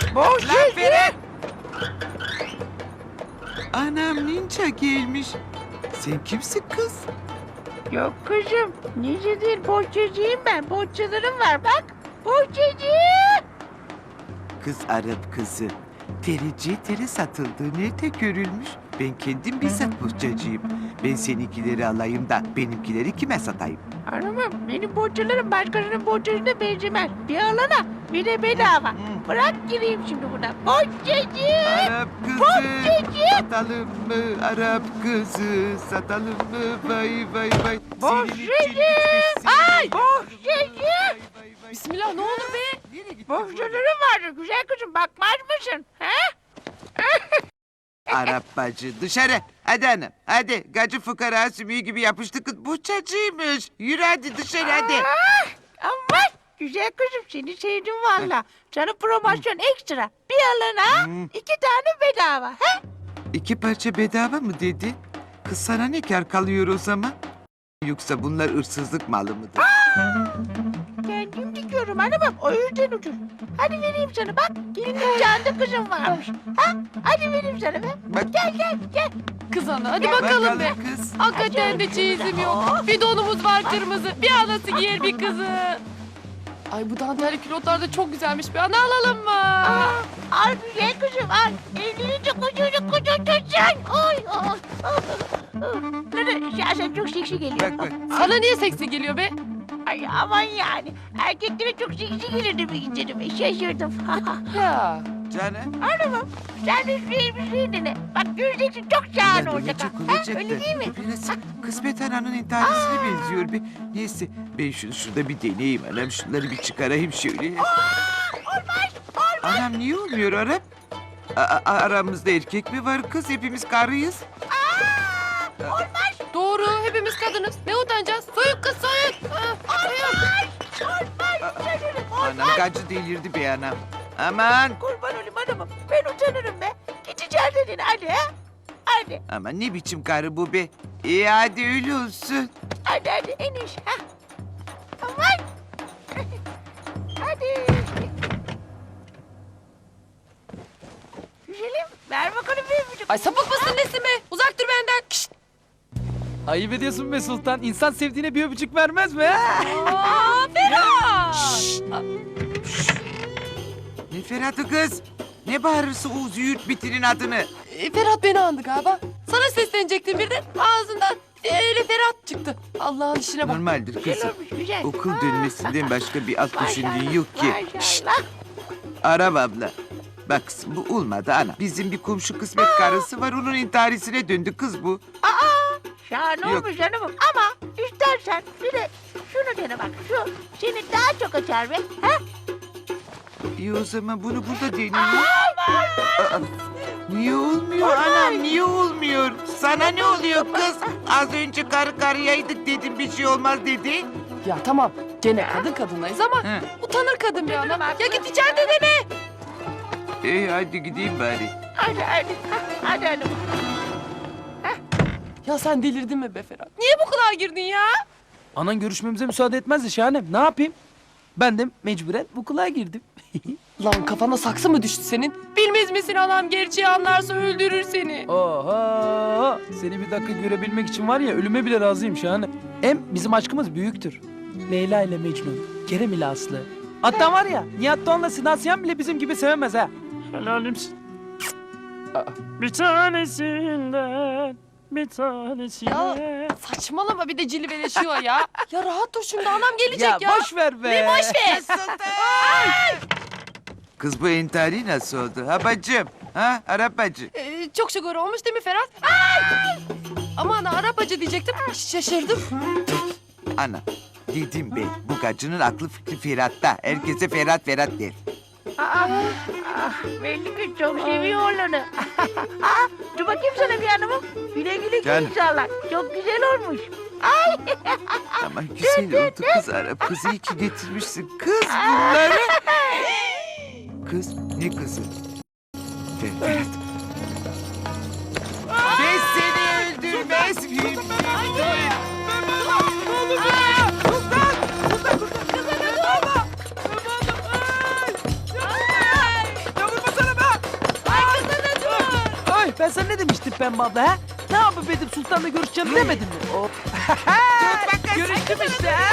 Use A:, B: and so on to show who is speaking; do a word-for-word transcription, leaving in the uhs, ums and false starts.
A: Bohçacı!
B: Anam ninja gelmiş. Sen kimsin kız?
A: Yok kızım, ninja değil, bohçacıyım ben. Bohçalarım var bak. Bohçacı!
B: Kız Arap kızı. Tereciye tere satıldığı nerede görülmüş? Ben kendim bizzat bohçacıyım. Ben seninkileri alayım da benimkileri kime satayım?
A: Hanımım, benim bohçalarım başkasının bohçasına benzemez. Bir alana, bir de bedava. Bırak gireyim şimdi buna. Bohçacı!
B: Arap kızı.
A: Bohçacı!
B: Satalım mı Arap kızı? Satalım mı? Vay vay vay.
A: Bohçacı! Ay! Bohçacı!
C: Bismillah ne olur be.
A: Bohçalarım vardı güzel kızım, bakmaz mısın? He?
B: Arap bacı dışarı. Hadi hanım. Hadi. Gacı fukara sümüğü gibi yapıştı kız. Bohçacıymış. Yürü hadi dışarı hadi.
A: Ah, aman güzel kızım, seni sevdim valla. Sana promosyon ekstra. Bir alana
B: Hmm.
A: iki tane bedava. He?
B: İki parça bedava mı dedi? Kız sana ne kar kalıyor o zaman? Yoksa bunlar hırsızlık malı mıdır?
A: Kendim dikiyorum hanımım, o yüzden ucuz. Hadi vereyim sana bak, gelinin canlı kızım varmış. Ha? Hadi vereyim sana be.
B: Bak.
A: Gel gel gel.
C: Kız ana hadi bakalım be.
B: kız.
C: Hakikaten de çeyizim yok. Bir donumuz var kırmızı. Bir anası giyer bir kızı. Ay bu dantelli külotlar da çok güzelmiş be. Ana alalım mı?
A: Aa, al güzel kızım al. Evlenince kocaman kocaman tutacaksın. Oy oy. Nene şahsen çok seksi geliyor.
B: Bak bak.
C: Sana niye seksi geliyor be?
A: Ay aman yani. Erkeklere çok seksi gelir demek istedim. Şaşırdım.
C: Ya.
B: Canım.
A: Hanımım sen de şu elbiseyi dene. Bak göreceksin çok şahane olacak. ha.
B: Olacak
A: Ha,
B: olacak
A: öyle
B: da.
A: değil mi?
B: Biraz kısmet ananın intiharısına benziyor be. Neyse ben şunu şurada bir deneyeyim anam. Şunları bir çıkarayım şöyle.
A: Olmaz olmaz.
B: Anam niye olmuyor Arap? A- a- aramızda erkek mi var kız? Hepimiz karıyız.
A: Aa, olmaz.
C: Doğru hepimiz kadınız. Ne utanacağız? Soyuk kız soyuk. Ha, soyuk.
A: Olmaz. Utanırım.
B: Anam gacı delirdi be anam. Aman.
A: Kurban olayım hanımım. Ben utanırım be. Gideceğim dedin hadi ha. Hadi.
B: Aman ne biçim karı bu be? İyi hadi öyle olsun.
A: Hadi hadi eniş. Ha. Aman. Hadi. Güzelim ver bakalım bir buçuk.
C: Ay sapık mısın nesin be? Uzak dur benden. Kişt.
D: Ayıp ediyorsun be Sultan. İnsan sevdiğine bir öpücük vermez mi? ha?
C: Aa Ferhat.
B: Ne Ferhat'ı kız? Ne bağırırsa o züğürt bitirin adını.
C: E, Ferhat beni andı galiba. Sana seslenecektim birden. Ağzından öyle Ferhat çıktı. Allah'ın işine bak.
B: Normaldir
A: Güzel
B: kızım.
A: olmuş güzel.
B: Okul
A: Ha.
B: dönmesinden başka bir alt düşündüğün yok ki. Şşt,
A: Maşallah.
B: Arap abla. Bak kızım bu olmadı ana. Bizim bir komşu kısmet karısı var onun intiharisine döndü kız bu.
A: Aa, şahane
B: Yok.
A: olmuş hanımım ama istersen bir de şunu dene bak şu seni daha çok açar be. Ha?
B: İyi o zaman bunu burada deneyeyim. Aa, niye olmuyor anam niye olmuyor? Sana ne oluyor kız? Az önce karı karıyaydık dedim bir şey olmaz dedi.
C: Ya tamam. Gene kadın kadınlayız ama
B: He.
C: utanır kadın bir ana.
A: bak.
C: Ya git içeride deme.
B: İyi hadi gideyim bari.
A: Hadi hadi ha, hadi hanımım.
C: Ya sen delirdin mi be Ferhat? Niye bu kadar girdin ya?
D: Anan görüşmemize müsaade etmezdi şahanem. Ne yapayım? Ben de mecburen bu kulağa girdim.
C: Lan kafana saksı mı düştü senin? Bilmez misin anam gerçeği anlarsa öldürür seni.
D: Oha! Seni bir dakika görebilmek için var ya ölüme bile razıyım şahanem. Hem bizim aşkımız büyüktür. Leyla ile Mecnun, Kerem ile Aslı. Hatta var ya Nihat Doğan'la Sinan Sinan bile bizim gibi sevemez ha.
E: Helalimsin. Bir tanesinden bir tanesine.
C: Saçmalama bir de cilveleşiyor ya. Ya rahat dur şimdi anam gelecek ya.
D: Ya boş ver be.
C: Ne boş ver.
B: Kız bu entari nasıl oldu? Ha bacım? Ha Arap bacı?
C: Ee, çok şükür olmuş değil mi Ferhat? Ay! Aman Arap acı diyecektim. Şaşırdım.
B: Ana dedim be bu gacının aklı fikri Ferhat'ta. Herkese Ferhat Ferhat der.
A: Aa, ah, belli ki çok seviyor oğlanı. Aa, dur bakayım sana bir hanımım. Güle güle giy
B: Canım.
A: inşallah. Çok güzel olmuş. Ay.
B: Ama güzel oldu kız Arap. Kızı iyi ki getirmişsin. Kız bunları. Kız ne kızı? Fer- Ferhat. Ben seni öldürmez miyim?
D: Ben sana ne demiştim Pembe abla ha? Ne yapıp edip Sultan'la görüşeceğim demedin mi?
B: Tut bakalım.
D: Görüştüm işte ha.